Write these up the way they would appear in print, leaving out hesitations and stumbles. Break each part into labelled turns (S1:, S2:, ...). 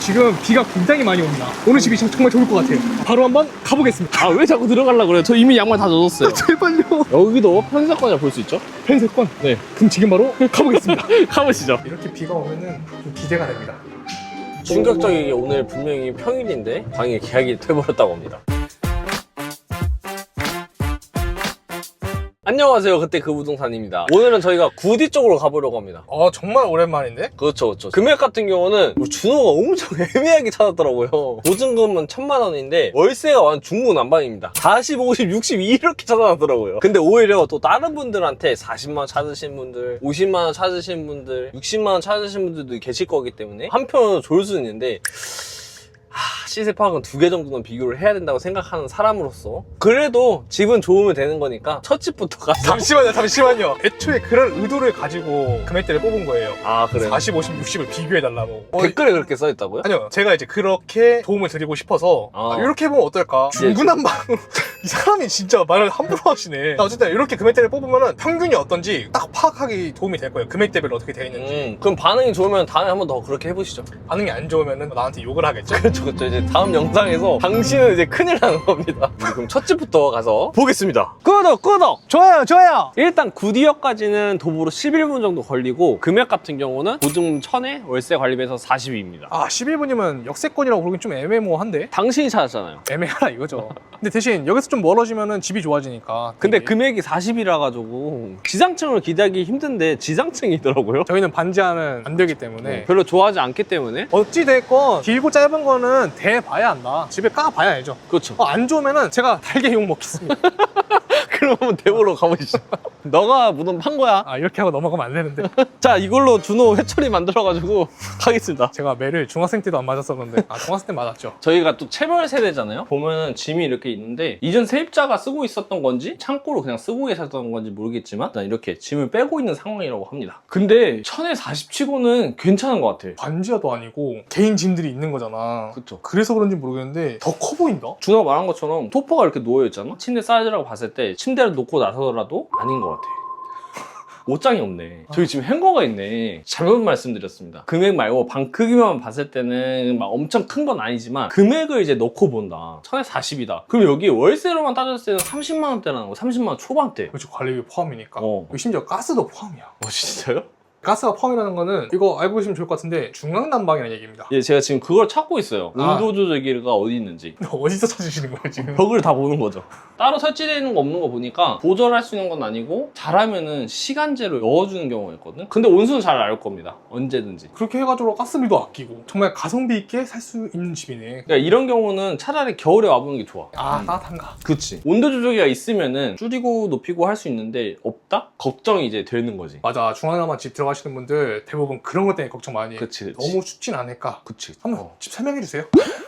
S1: 지금 비가 굉장히 많이 옵니다. 오늘 집이 정말 좋을 것 같아요. 바로 한번 가보겠습니다.
S2: 아, 왜 자꾸 들어가려고 그래요? 저 이미 양말 다 젖었어요.
S1: 제발요.
S2: 여기도 편의사건이라 볼 수 있죠?
S1: 편의사건.
S2: 네.
S1: 그럼 지금 바로 가보겠습니다.
S2: 가보시죠.
S1: 이렇게 비가 오면은 좀 기대가 됩니다.
S2: 충격적이게 오늘 분명히 평일인데 방에 계약이 돼버렸다고 합니다. 안녕하세요. 그때 그 부동산입니다. 오늘은 저희가 구디 쪽으로 가보려고 합니다.
S1: 정말 오랜만인데?
S2: 그렇죠, 그렇죠. 금액 같은 경우는 준호가 엄청 애매하게 찾았더라고요. 보증금은 1000만 원인데 월세가 완전 중구난방입니다. 40, 50, 60 이렇게 찾아놨더라고요. 근데 오히려 또 다른 분들한테 40만 원 찾으신 분들, 50만 원 찾으신 분들, 60만 원 찾으신 분들도 계실 거기 때문에 한편으로 좋을 수 있는데 시세 파악은 2개 정도는 비교를 해야 된다고 생각하는 사람으로서 그래도 집은 좋으면 되는 거니까 첫 집부터 가서
S1: 잠시만요. 애초에 그런 의도를 가지고 금액대를 뽑은 거예요.
S2: 아 그래요?
S1: 40, 50, 60을 비교해달라고.
S2: 댓글에 그렇게 써있다고요?
S1: 아니요, 제가 이제 그렇게 도움을 드리고 싶어서 이렇게 해보면 어떨까? 중구난방으로 이 사람이 진짜 말을 함부로 하시네. 어쨌든 이렇게 금액대를 뽑으면 평균이 어떤지 딱 파악하기 도움이 될 거예요. 금액대별로 어떻게 되어 있는지.
S2: 그럼 반응이 좋으면 다음에 한 번 더 그렇게 해보시죠.
S1: 반응이 안 좋으면 나한테 욕을 하겠죠?
S2: 그렇죠. 이제 다음 영상에서 당신은 이제 큰일 나는 겁니다. 그럼 첫 집부터 가서 보겠습니다. 구독!
S1: 좋아요.
S2: 일단 구디역까지는 도보로 11분 정도 걸리고 금액 같은 경우는 보증금 1000에 월세 관리비에서 40입니다.
S1: 11분이면 역세권이라고 부르긴 좀 애매모호한데?
S2: 당신이 찾았잖아요.
S1: 애매하라 이거죠. 근데 대신 여기서 좀 멀어지면 집이 좋아지니까.
S2: 근데 금액이 40이라 가지고 지상층을 기대하기 힘든데 지상층이더라고요.
S1: 저희는 반지하는 안 되기 때문에
S2: 별로 좋아하지 않기 때문에
S1: 어찌됐건 길고 짧은 거는 대봐야 한다. 집에 까봐야 알죠.
S2: 그렇죠.
S1: 안 좋으면은 제가 달게 욕 먹겠습니다.
S2: 그럼 한번 대보러 가보시죠. 너가 무덤 판 거야.
S1: 이렇게 하고 넘어가면 안 되는데.
S2: 자, 이걸로 준호 회초리 만들어가지고 가겠습니다.
S1: 제가 매를 중학생 때도 안 맞았었는데 중학생 때 맞았죠.
S2: 저희가 또 체벌 세대잖아요. 보면은 짐이 이렇게 있는데 이전 세입자가 쓰고 있었던 건지 창고로 그냥 쓰고 계셨던 건지 모르겠지만 일단 이렇게 짐을 빼고 있는 상황이라고 합니다. 근데 1000에 40 치고는 괜찮은 것 같아.
S1: 반지하도 아니고 개인 짐들이 있는 거잖아.
S2: 그쵸.
S1: 그래서 그런지 모르겠는데 더 커 보인다.
S2: 준호가 말한 것처럼 소파가 이렇게 누워있잖아. 침대 사이즈라고 봤을 때 침대를 놓고 나서더라도 아닌 것 같아. 옷장이 없네. 저기 지금 행거가 있네. 잘못 말씀드렸습니다. 금액 말고 방 크기만 봤을 때는 막 엄청 큰 건 아니지만 금액을 이제 넣고 본다. 1000에 40이다. 그럼 여기 월세로만 따졌을 때는 30만 원대라는 거. 30만 원 초반대.
S1: 그렇지, 관리비 포함이니까.
S2: 여기
S1: 심지어 가스도 포함이야.
S2: 진짜요?
S1: 가스가 포함이라는 거는 이거 알고 계시면 좋을 것 같은데 중앙난방이라는 얘기입니다.
S2: 예, 제가 지금 그걸 찾고 있어요. 온도 조절기가 어디 있는지.
S1: 어디서 찾으시는 거예요 지금?
S2: 벽을 다 보는 거죠. 따로 설치되어 있는 거 없는 거 보니까 조절할 수 있는 건 아니고 잘하면은 시간제로 넣어주는 경우가 있거든. 근데 온수는 잘 알 겁니다. 언제든지.
S1: 그렇게 해가지고 가스비도 아끼고 정말 가성비 있게 살 수 있는 집이네.
S2: 그러니까 이런 경우는 차라리 겨울에 와보는 게 좋아.
S1: 따뜻한가?
S2: 그치. 온도 조절기가 있으면은 줄이고 높이고 할 수 있는데 없다? 걱정이 이제 되는 거지.
S1: 맞아, 중앙남한 집 들어가시는 분들 대부분 그런 것 때문에 걱정 많이 해.
S2: 그치.
S1: 너무 춥진 않을까?
S2: 그치.
S1: 한번 집 설명해 주세요.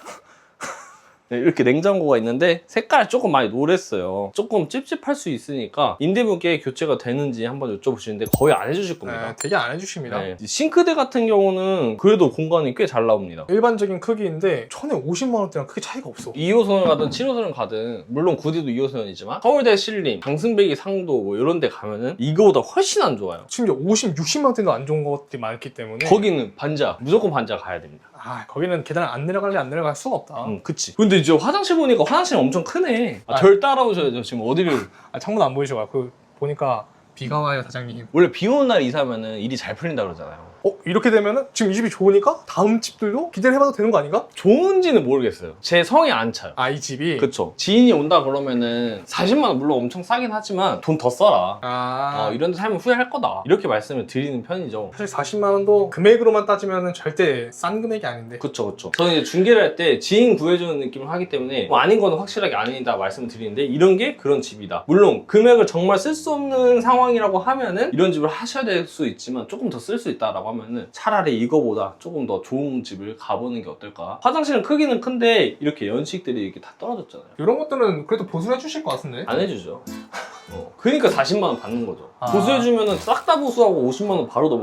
S2: 네, 이렇게 냉장고가 있는데 색깔이 조금 많이 노랬어요. 조금 찝찝할 수 있으니까 임대분께 교체가 되는지 한번 여쭤보시는데 거의 안 해주실 겁니다.
S1: 되게 안 해주십니다.
S2: 네. 싱크대 같은 경우는 그래도 공간이 꽤 잘 나옵니다.
S1: 일반적인 크기인데 1000에 50만 원대랑 크게 차이가 없어.
S2: 2호선을 가든 7호선을 가든 물론 구디도 2호선이지만 서울대 신림, 강승배기 상도 뭐 이런 데 가면은 이거보다 훨씬 안 좋아요.
S1: 심지어 50, 60만 원대도 안 좋은 것들이 많기 때문에
S2: 거기는 반지하, 무조건 반지하 가야 됩니다.
S1: 거기는 계단을 안 내려갈 수가 없다.
S2: 그치. 근데 이제 화장실 보니까 화장실이 엄청 크네. 절 따라오셔야죠. 지금 어디를.
S1: 창문 안 보이셔. 보니까 비가 와요, 사장님.
S2: 원래 비 오는 날 이사하면은 일이 잘 풀린다 그러잖아요.
S1: 이렇게 되면은 지금 이 집이 좋으니까 다음 집들도 기대를 해봐도 되는 거 아닌가?
S2: 좋은지는 모르겠어요. 제 성에 안 차요.
S1: 이 집이?
S2: 그쵸. 지인이 온다 그러면은 40만 원 물론 엄청 싸긴 하지만 돈 더 써라. 이런 데 살면 후회할 거다. 이렇게 말씀을 드리는 편이죠.
S1: 사실 40만 원도 금액으로만 따지면 절대 싼 금액이 아닌데.
S2: 그쵸. 저는 이제 중개를 할 때 지인 구해주는 느낌을 하기 때문에 뭐 아닌 거는 확실하게 아니다 말씀을 드리는데 이런 게 그런 집이다. 물론 금액을 정말 쓸 수 없는 상황이라고 하면은 이런 집을 하셔야 될 수 있지만 조금 더 쓸 수 있다라고 하면은 차라리 이거보다 조금 더 좋은 집을 가보는 게 어떨까. 화장실은 크기는 큰데 이렇게 연식들이 이렇게 다 떨어졌잖아요.
S1: 이런 것들은 그래도 보수해 주실 것 같은데?
S2: 안 해주죠. 그러니까 40만 원 받는 거죠. 보수해주면은 싹 다 보수하고 50만 원 바로 넘어가죠.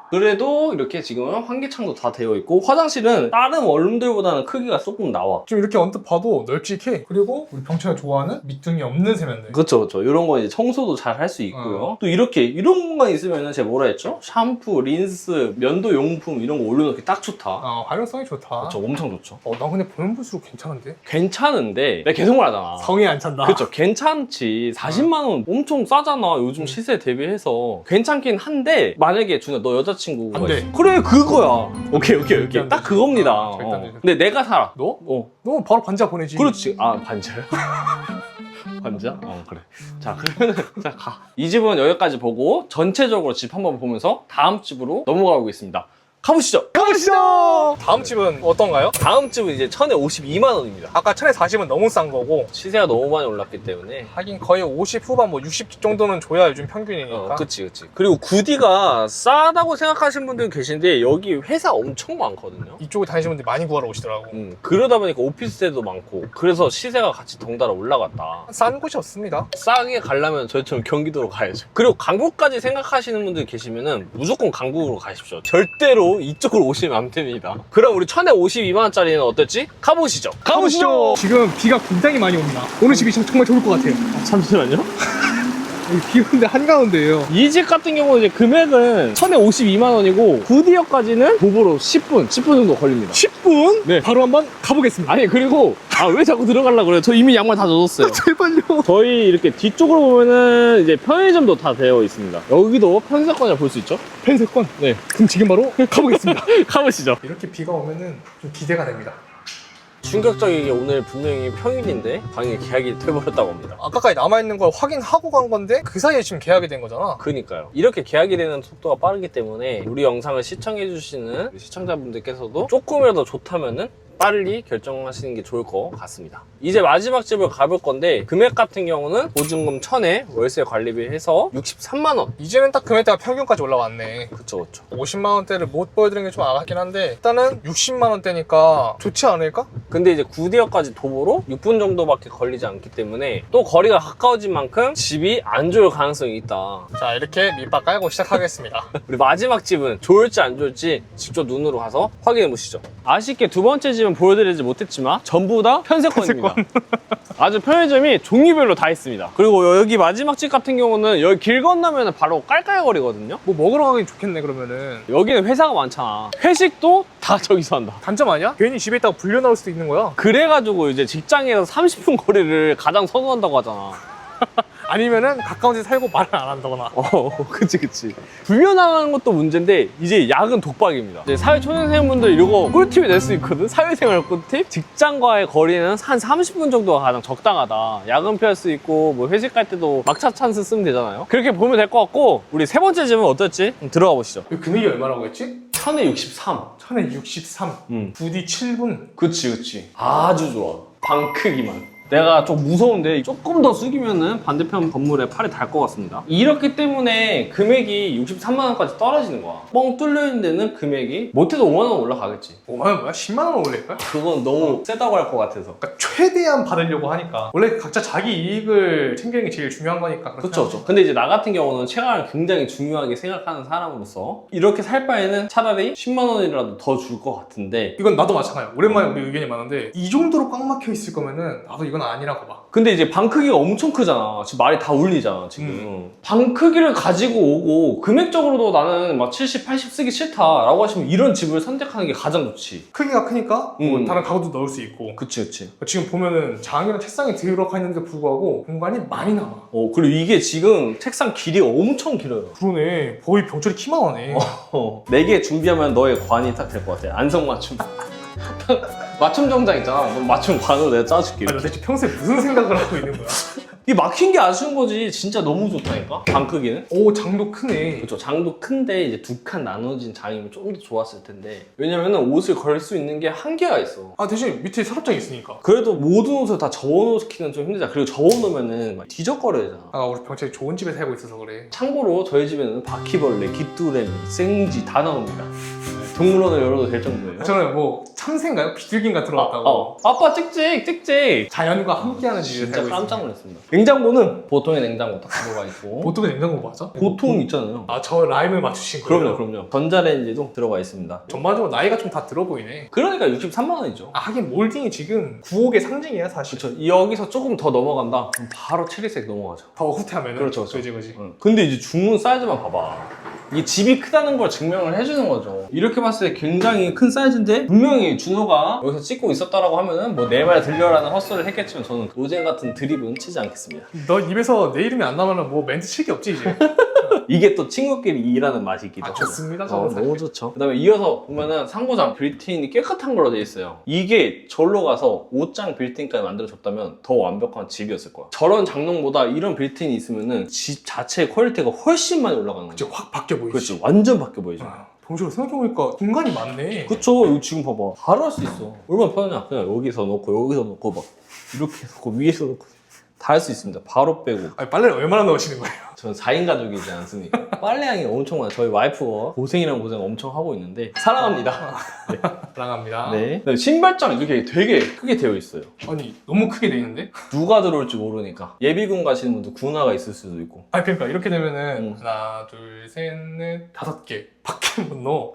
S2: 그래도 이렇게 지금 환기창도 다 되어 있고 화장실은 다른 원룸들보다는 크기가 조금 나와.
S1: 좀 이렇게 언뜻 봐도 널찍해. 그리고 우리 병채가 좋아하는 밑둥이 없는 세면대.
S2: 그렇죠, 그렇죠. 이런 거 이제 청소도 잘 할 수 있고요. 또 이렇게 이런 공간 있으면은 제가 뭐라 했죠? 샴푸, 린스, 면도 용품 이런 거 올려놓기 딱 좋다.
S1: 활용성이 좋다.
S2: 그렇죠, 엄청 좋죠.
S1: 난 근데 보면 볼수록 괜찮은데?
S2: 괜찮은데 내가 계속 말하잖아.
S1: 성이 안 찬다.
S2: 그렇죠, 괜찮지. 40만 원 엄청 싸잖아. 요즘 시세 대비해서 괜찮긴 한데 만약에 준아 너 여자친구가
S1: 안 돼.
S2: 있어. 그래 그거야. 오케이.
S1: 안
S2: 딱
S1: 되지.
S2: 그겁니다.
S1: 절대 안 되지.
S2: 근데 내가 살아.
S1: 너?
S2: 어.
S1: 너 바로 반지하 보내지.
S2: 그렇지. 아, 반지하요? 반지하? 그래. 자, 그러면은, 자, 가. 이 집은 여기까지 보고, 전체적으로 집 한번 보면서 다음 집으로 넘어가 보겠습니다. 가보시죠!
S1: 가보시죠! 다음 집은 어떤가요?
S2: 다음 집은 이제 1052만원입니다.
S1: 아까 1040은 너무 싼 거고,
S2: 시세가 너무 많이 올랐기 때문에.
S1: 하긴 거의 50 후반, 60 정도는 줘야 요즘 평균이니까.
S2: 그치. 그리고 구디가 싸다고 생각하시는 분들 계신데, 여기 회사 엄청 많거든요.
S1: 이쪽에 다니시는 분들이 많이 구하러 오시더라고.
S2: 그러다 보니까 오피스텔도 많고, 그래서 시세가 같이 덩달아 올라갔다.
S1: 싼 곳이 없습니다.
S2: 싸게 가려면 저희처럼 경기도로 가야죠. 그리고 강북까지 생각하시는 분들 계시면은 무조건 강북으로 가십시오. 절대로 이쪽으로 오시면 안 됩니다. 그럼 우리 1052만원짜리는 어떨지? 가보시죠.
S1: 지금 비가 굉장히 많이 옵니다. 오늘 집이 정말 좋을 것 같아요.
S2: 잠시만요.
S1: 비 오는데 한가운데예요.
S2: 이 집 같은 경우는 이제 금액은 1052만원이고 구디역까지는 도보로 10분 정도 걸립니다.
S1: 10분?
S2: 네.
S1: 바로 한번 가보겠습니다.
S2: 아니 그리고 왜 자꾸 들어가려고 그래요? 저 이미 양말 다 젖었어요.
S1: 제발요.
S2: 저희 이렇게 뒤쪽으로 보면은 이제 편의점도 다 되어 있습니다. 여기도 편의점권을 볼 수 있죠?
S1: 펜세권?
S2: 네.
S1: 그럼 지금 바로 가보겠습니다.
S2: 가보시죠.
S1: 이렇게 비가 오면은 좀 기대가 됩니다.
S2: 충격적이게 오늘 분명히 평일인데 방에 계약이 돼버렸다고 합니다.
S1: 아까까지 남아있는 걸 확인하고 간 건데 그 사이에 지금 계약이 된 거잖아.
S2: 그니까요. 이렇게 계약이 되는 속도가 빠르기 때문에 우리 영상을 시청해주시는 우리 시청자분들께서도 조금이라도 좋다면은 빨리 결정하시는 게 좋을 것 같습니다. 이제 마지막 집을 가볼 건데 금액 같은 경우는 보증금 1000에 월세 관리비 해서 63만원.
S1: 이제는 딱 금액대가 평균까지 올라왔네.
S2: 그쵸.
S1: 50만원대를 못 보여드리는 게 좀 아깝긴 한데 일단은 60만원대니까 좋지 않을까?
S2: 근데 이제 구디역까지 도보로 6분 정도밖에 걸리지 않기 때문에 또 거리가 가까워진 만큼 집이 안 좋을 가능성이 있다.
S1: 자, 이렇게 밑밥 깔고 시작하겠습니다.
S2: 우리 마지막 집은 좋을지 안 좋을지 직접 눈으로 가서 확인해 보시죠. 아쉽게 두 번째 집은 보여드리지 못했지만 전부 다 편세권입니다. 아주 편의점이 종류별로 다 있습니다. 그리고 여기 마지막 집 같은 경우는 여기 길 건너면 바로 깔깔거리거든요.
S1: 뭐 먹으러 가긴 좋겠네 그러면은.
S2: 여기는 회사가 많잖아. 회식도 다 저기서 한다.
S1: 단점 아니야? 괜히 집에 있다가 불려 나올 수도 있는 거야.
S2: 그래가지고 이제 직장에서 30분 거리를 가장 선호한다고 하잖아.
S1: 아니면은 가까운 데 살고 말을 안 한다거나.
S2: 그치. 불려나가는 것도 문제인데 이제 야근 독박입니다. 이제 사회초년생분들 이거 꿀팁이 될 수 있거든. 사회생활 꿀팁. 직장과의 거리는 한 30분 정도가 가장 적당하다. 야근 피할 수 있고 뭐 회식 갈 때도 막차 찬스 쓰면 되잖아요. 그렇게 보면 될 것 같고 우리 세 번째 집은 어떨지 들어가 보시죠.
S1: 이 금액이 얼마라고 했지?
S2: 1063.
S1: 1063. 부디 7분.
S2: 그치. 아주 좋아. 방 크기만. 내가 좀 무서운데 조금 더 숙이면은 반대편 건물에 팔이 닿을 것 같습니다. 이렇기 때문에 금액이 63만 원까지 떨어지는 거야. 뻥 뚫려 있는 데는 금액이 못해도 5만 원 올라가겠지.
S1: 5만 원 뭐야? 10만 원 올릴까?
S2: 그건 너무 세다고 할 것 같아서.
S1: 그러니까 최대한 받으려고 하니까 원래 각자 자기 이익을 챙기는 게 제일 중요한 거니까.
S2: 그렇죠. 근데 이제 나 같은 경우는 체감을 굉장히 중요하게 생각하는 사람으로서 이렇게 살 바에는 차라리 10만 원이라도 더 줄 것 같은데
S1: 이건 나도 마찬가지야. 오랜만에 우리 의견이 많은데 이 정도로 꽉 막혀 있을 거면은 나도 이건 아니라고 봐.
S2: 근데 이제 방 크기가 엄청 크잖아. 지금 말이 다 울리잖아, 지금. 방 크기를 가지고 오고, 금액적으로도 나는 막 70, 80 쓰기 싫다라고 하시면 이런 집을 선택하는 게 가장 좋지.
S1: 크기가 크니까 뭐 다른 가구도 넣을 수 있고.
S2: 그치.
S1: 지금 보면은 장이랑 책상이 들어가 있는데 불구하고 공간이 많이 남아.
S2: 그리고 이게 지금 책상 길이가 엄청 길어요.
S1: 그러네. 거의 병철이 키만 하네.
S2: 4개 준비하면 너의 관이 딱 될 것 같아. 안성맞춤. 맞춤 정장 있잖아. 그럼 맞춤 관으로 내가 짜줄게.
S1: 아니, 도대체 평소에 무슨 생각을 하고 있는 거야?
S2: 이 막힌 게 아쉬운 거지. 진짜 너무 좋다니까? 방 크기는.
S1: 오, 장도 크네.
S2: 그렇죠. 장도 큰데 이제 두 칸 나눠진 장이면 좀 더 좋았을 텐데. 왜냐면은 옷을 걸 수 있는 게 한계가 있어.
S1: 아, 대신 밑에 서랍장이 있으니까.
S2: 그래도 모든 옷을 다 접어놓기는 좀 힘들잖아. 그리고 접어놓으면은 막 뒤적거려야 되잖아.
S1: 아, 우리 병철이 좋은 집에 살고 있어서 그래.
S2: 참고로 저희 집에는 바퀴벌레, 귀뚜레미, 생쥐 다 나옵니다. 동물원을 열어도 될 정도예요.
S1: 저는 뭐 참새인가요? 비둘기인가 들어갔다고.
S2: 아빠 찍찍.
S1: 자연과 함께하는 집에
S2: 진짜
S1: 살고
S2: 깜짝
S1: 있습니다.
S2: 놀랐습니다. 냉장고는 보통의 냉장고 딱 들어가 있고.
S1: 보통의 냉장고 맞아?
S2: 보통 있잖아요.
S1: 아, 저 라임을 맞추신 거예요?
S2: 그럼요. 전자레인지도 들어가 있습니다.
S1: 전반적으로 나이가 좀 다 들어 보이네.
S2: 그러니까 63만 원이죠.
S1: 아, 하긴 몰딩이 지금 구옥의 상징이야 사실.
S2: 그렇죠. 여기서 조금 더 넘어간다. 그럼 바로 체리색 넘어가죠.
S1: 더 후퇴하면은.
S2: 그렇죠.
S1: 그지.
S2: 근데 이제 중문 사이즈만 봐봐. 이게 집이 크다는 걸 증명을 해주는 거죠. 이렇게 봤을 때 굉장히 큰 사이즈인데 분명히 준호가 여기서 찍고 있었다라고 하면은 뭐 내 말 들려라는 헛소리를 했겠지만 저는 로젠 같은 드립은 치지 않겠습니다.
S1: 너 입에서 내 이름이 안 나면은 뭐 멘트 칠 게 없지 이제.
S2: 이게 또 친구끼리 일하는 맛이 있기도
S1: 아,
S2: 하고.
S1: 좋습니다. 저는 사실.
S2: 너무 좋죠. 그 다음에 이어서 보면은 상부장 빌트인이 깨끗한 걸로 되어 있어요. 이게 절로 가서 5장 빌트인까지 만들어줬다면 더 완벽한 집이었을 거야. 저런 장롱보다 이런 빌트인이 있으면은 집 자체의 퀄리티가 훨씬 많이 올라가는 거죠.
S1: 그치, 확 바뀌어 보이지.
S2: 그렇지. 완전 바뀌어 보이죠.
S1: 아, 동시로 생각해보니까 공간이 많네.
S2: 그쵸. 이거 지금 봐봐. 바로 할 수 있어. 얼마나 편하냐. 그냥 여기서 놓고 막 이렇게 놓고 위에서 놓고 다 할 수 있습니다. 바로 빼고.
S1: 아니, 빨래를 얼마나 넣으시는 거예요?
S2: 저는 4인 가족이지 않습니까? 빨래량이 엄청 많아요. 저희 와이프가 고생이란 고생 엄청 하고 있는데 사랑합니다.
S1: 사랑합니다.
S2: 네. 신발장 이렇게 되게 크게 되어 있어요.
S1: 아니, 너무 크게 돼 있는데?
S2: 누가 들어올지 모르니까. 예비군 가시는 분도 군화가 있을 수도 있고.
S1: 아니, 그러니까 이렇게 되면은 하나, 둘, 셋, 넷, 5개 밖에 못 넣어.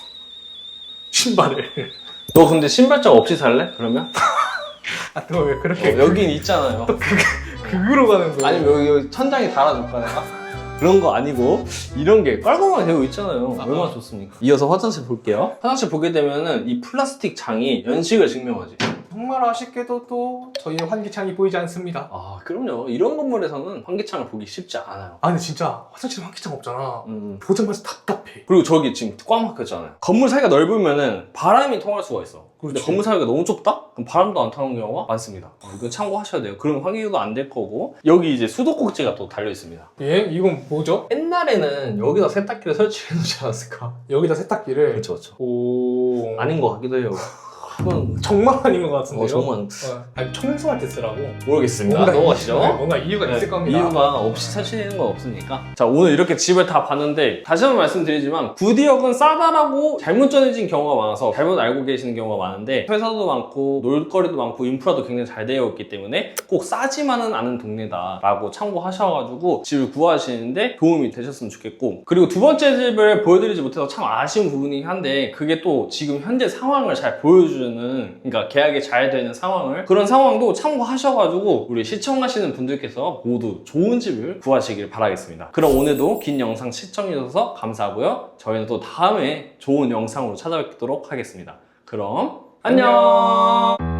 S1: 신발을.
S2: 너 근데 신발장 없이 살래? 그러면?
S1: 아, 너 왜 그렇게
S2: 여긴 있잖아요.
S1: 극으로 가는 거야?
S2: 아니면 여기 천장에 달아줄까 내가? 그런 거 아니고 이런 게 깔끔하게 되어 있잖아요. 얼마나 좋습니까? 이어서 화장실 볼게요. 화장실 보게 되면은 이 플라스틱 장이 연식을 증명하지.
S1: 정말 아쉽게도 또 저희의 환기창이 보이지 않습니다.
S2: 아 그럼요. 이런 건물에서는 환기창을 보기 쉽지 않아요.
S1: 아, 근데 진짜 화장실에 환기창 없잖아.
S2: 음.
S1: 보자마자 답답해.
S2: 그리고 저기 지금 꽉 막혔잖아요. 건물 사이가 넓으면은 바람이 통할 수가 있어. 근데
S1: 그렇지.
S2: 건물 사이가 너무 좁다? 그럼 바람도 안 타는 경우가 많습니다. 이거 참고하셔야 돼요. 그럼 환기도 안 될 거고. 여기 이제 수도꼭지가 또 달려 있습니다.
S1: 예? 이건 뭐죠?
S2: 옛날에는 여기다 세탁기를 설치해 놓지 않았을까?
S1: 여기다 세탁기를.
S2: 그렇죠.
S1: 오.
S2: 아닌 것 같기도 해요. 그건
S1: 정말 아닌 것 같은데요?
S2: 정말
S1: 아니, 청소할 때 쓰라고.
S2: 모르겠습니다. 넘어가시죠.
S1: 뭔가 이유가
S2: 네,
S1: 있을 겁니다.
S2: 이유가 없이 설치되는 건 없으니까. 자, 오늘 이렇게 집을 다 봤는데 다시 한번 말씀드리지만 구디역은 싸다라고 잘못 전해진 경우가 많아서 잘못 알고 계시는 경우가 많은데 회사도 많고 놀거리도 많고 인프라도 굉장히 잘 되어 있기 때문에 꼭 싸지만은 않은 동네다라고 참고하셔가지고 집을 구하시는데 도움이 되셨으면 좋겠고, 그리고 두 번째 집을 보여드리지 못해서 참 아쉬운 부분이긴 한데 그게 또 지금 현재 상황을 잘 보여주는, 그러니까 계약이 잘 되는 상황을, 그런 상황도 참고하셔가지고 우리 시청하시는 분들께서 모두 좋은 집을 구하시길 바라겠습니다. 그럼 오늘도 긴 영상 시청해주셔서 감사하고요. 저희는 또 다음에 좋은 영상으로 찾아뵙도록 하겠습니다. 그럼 안녕.